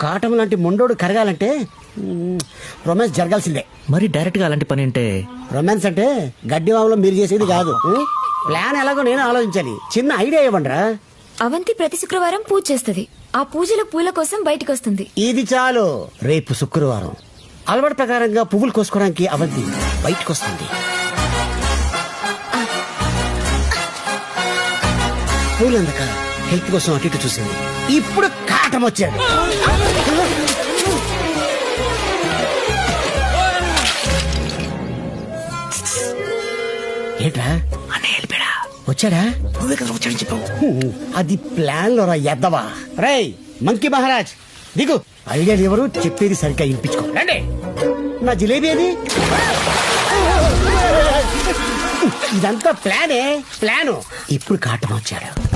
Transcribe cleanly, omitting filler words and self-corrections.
కాటం లాంటి మొండోడు కరగాలంటే రొమాన్స్ జరగాల్సిందే. మరి డైరెక్ట్ గా అలాంటి పని అంటే రొమాన్స్ అంటే గడ్డి వాములో మీరు చేసేది కాదు. ప్లాన్ ఎలాగో నేను ఆలోచించాలి. చిన్న ఐడియా ఇవ్వండిరా. అవంతి ప్రతి శుక్రవారం పూజ చేస్తది. ఆ పూజలో పూల కోసం బయటికి వస్తుంది. ఇది చాలు. రేపు శుక్రవారం అలవాటు ప్రకారంగా పువ్వులు కోసుకోవడానికి అవంతి బయటకు వస్తుంది. పూలందక హెల్ప్ కోసం అటు ఇటు చూసింది. ఇప్పుడు కాటం వచ్చాడు. ఏంట్రా అనే వెళ్ళిపోయా. వచ్చాడా? వచ్చాడని చెప్పావు. అది ప్లాన్ లో రా ఎద్దవా. రేయ్ మంకీ మహారాజ్ దిగు. ఐడియాలు ఎవరు చెప్పేది సరిగ్గా వినిపించుకో. రండి. నా జిలేబీ అది. ఇదంతా ప్లానే. ప్లాను. ఇప్పుడు కాటం వచ్చాడు.